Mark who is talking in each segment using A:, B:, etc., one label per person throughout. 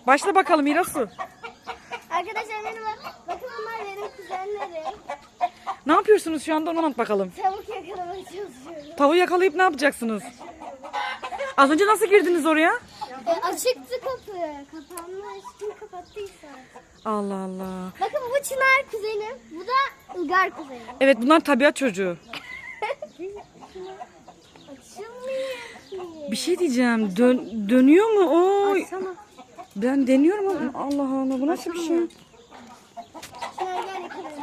A: Başla bakalım Hirasu.
B: Arkadaşlar merhaba. Bakın onlar benim kuzenlerim.
A: Ne yapıyorsunuz şu anda onu anlat bakalım.
B: Tavuk yakalamaya çalışıyorum.
A: Tavuğu yakalayıp ne yapacaksınız? Az önce nasıl girdiniz oraya?
B: Açıktı kapı. Kapanmış. Kim kapattıysa. Allah.
A: Allah Allah.
B: Bakın bu Çınar kuzenim. Bu da Ilgar kuzenim.
A: Evet bunlar tabiat çocuğu.
B: Açılmıyor ki.
A: Bir şey diyeceğim. Dönüyor mu? Oy.
B: Açsana.
A: Ben deniyorum ama Allah Allah bu nasıl bir şey?
B: Çınar gel yakalayalım.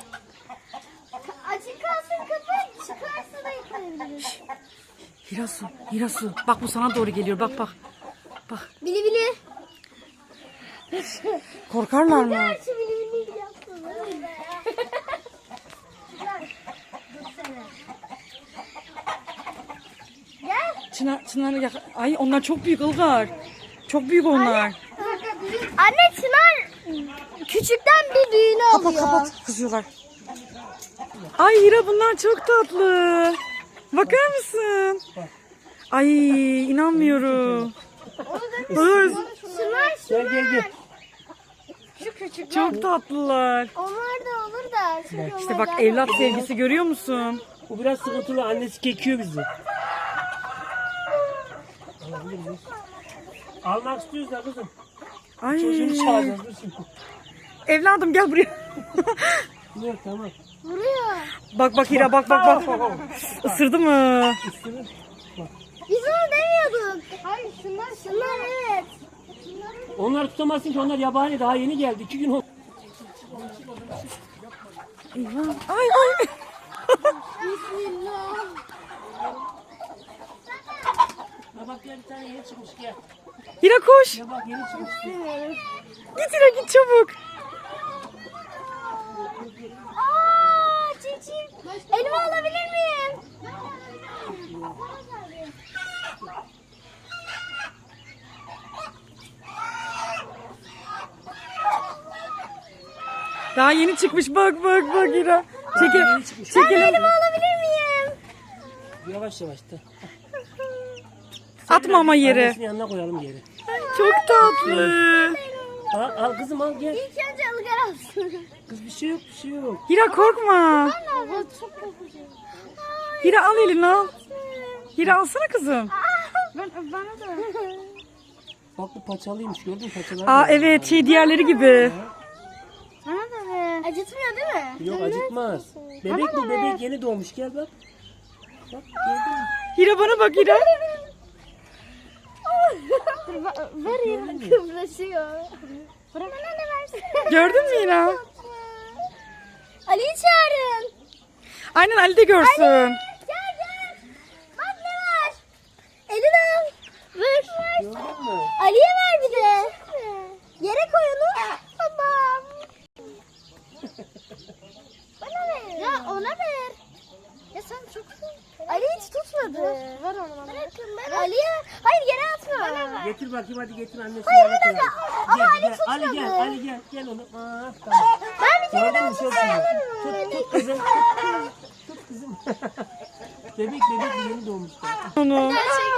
B: Açık kalsın kapı. Çıkarsa da yakalayabiliriz.
A: Hirasu. Bak bu sana doğru geliyor. Bak. Bak.
B: Bili bili.
A: Korkarlar mı?
B: Gerçi bili bili yapsın. Gel.
A: Çınar ay onlar çok büyük Ilgar. Çok büyük onlar.
B: Anne Çınar küçükten bir büyüğünü alıyor.
A: Kapat kızıyorlar. Ay Hira bunlar çok tatlı. Bakar mısın? Ay inanmıyorum. Dur.
B: Çınar.
C: Gel.
B: Şu küçük.
A: Çok tatlılar.
B: Onlar da olur da. Çünkü
A: İşte
B: onlar
A: bak
B: daha
A: evlat
B: tatlı.
A: sevgisi görüyor musun?
C: Bu biraz sıkıntılı. Annesi kekiyor bizi. Alabilir miyiz? Almak istiyoruz da kızım.
A: Ay.
C: Çocuğunu çağıracağız. Dur şimdi.
A: Evladım gel buraya.
C: Yok tamam.
B: Vuruyor.
A: Bak Hira bak. Isırdı mı?
C: Üstünü.
B: Biz onu demiyorduk. Hayır şunlar evet.
C: Onlar tutamazsın ki onlar yabani daha yeni geldi. 2 gün oldu.
A: Ay.
B: Bismillah.
C: Ya bak gel bir tane yeni çıkmış gel.
A: Hira koş.
C: Ya bak yeni çıkmış.
A: Git Hira git çabuk.
B: Aa çiçeğim. Elma alabilir miyim?
A: Daha yeni çıkmış bak Hira. Çekelim.
B: Elma alabilir miyim?
C: Yavaş da.
A: Atma ama yere.
C: Annesinin yanına koyalım yere.
A: Çok tatlı.
C: Al kızım al gel.
B: İlk önce ılgar alsın.
C: Kız bir şey yok.
A: Hira korkma.
B: Evet çok korkuyorum.
A: Hira al elini al. Hira alsana kızım.
B: Bana da.
C: Bak bu paçalıymış gördün mü paçalar?
A: Aa evet diğerleri gibi.
B: Bana da be. Acıtmıyor değil mi?
C: Yok acıtmaz. Bebek bu bebek yeni doğmuş gel bak. Bak gördün mü?
A: Hira bana bak Hira.
B: Ver ya. Kıvraşıyor. Bırak bana ne versin.
A: Gördün mü Hira?
B: Ali'yi çağırın.
A: Aynen Ali de görsün.
B: Gel. Bak ne var. Elini al. Ver.
C: Gördün mü?
B: Ali'ye ver bir de. Yere koy onu. Tamam. Bana ver. Ya ona ver. Ya sen çok... Ali hiç tutmadı. Ver onu bana. Bırakın ben. Ali'ye... Hayır yere atma.
C: Getir bakayım hadi getir annesi.
B: Hayır,
C: yanına
B: bir dakika.
C: koyalım.
B: Ama Ali
C: Gel,
B: tutmadı.
C: Ali gel onu. Aa, tamam.
B: Ben bir kere
C: Gördün
B: daha
C: mü çok iyi. Tut kızım. Tut kızım. bebek yeni doğmuş.
A: Onu.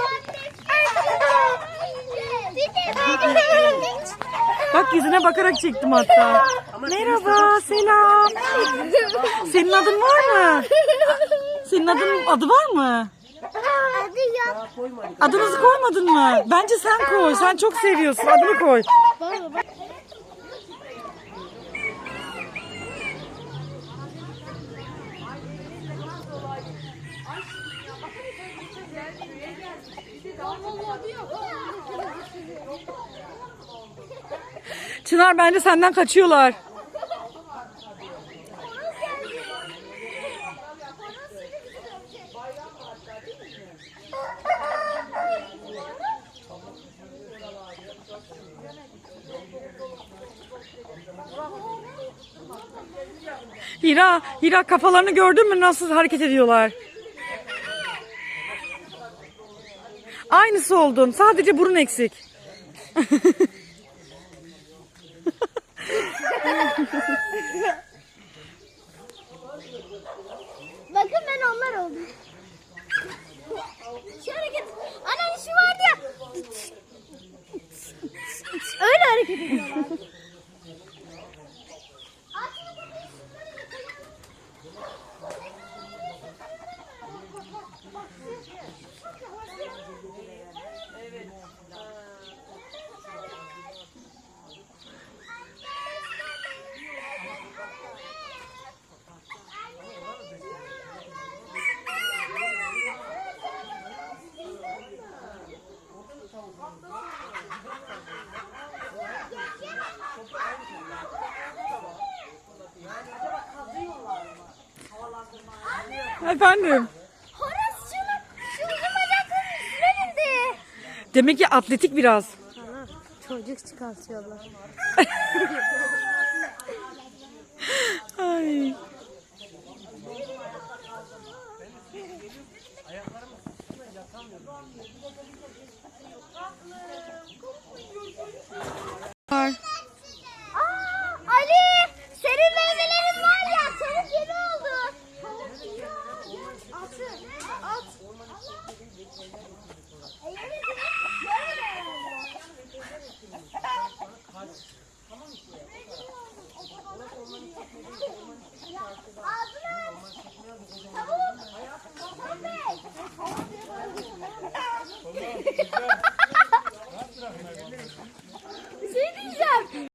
A: Bak yüzüne bakarak çektim hatta. Merhaba, selam. Senin adın var mı? Senin adı var mı?
B: Adı yok.
C: Daha koymadık.
A: Adınızı koymadın mı? Bence sen koy. Sen çok seviyorsun. Adını koy. Çınar bence senden kaçıyorlar. Hira kafalarını gördün mü nasıl hareket ediyorlar? Aynısı oldun. Sadece burun eksik.
B: Bakın ben onlar oldum. Şu hareket. Anne şu vardı ya. Öyle hareket ediyorlar.
A: Efendim.
B: Horas şu uzun bacakların üstüne bindi.
A: Demek ki atletik biraz.
B: Çocuk çıkartıyorlar.
A: Ay. Var.
B: Ali, senin meyvelerin var ya, tavuk yemi oldu. Tavuk yemi at. Evet,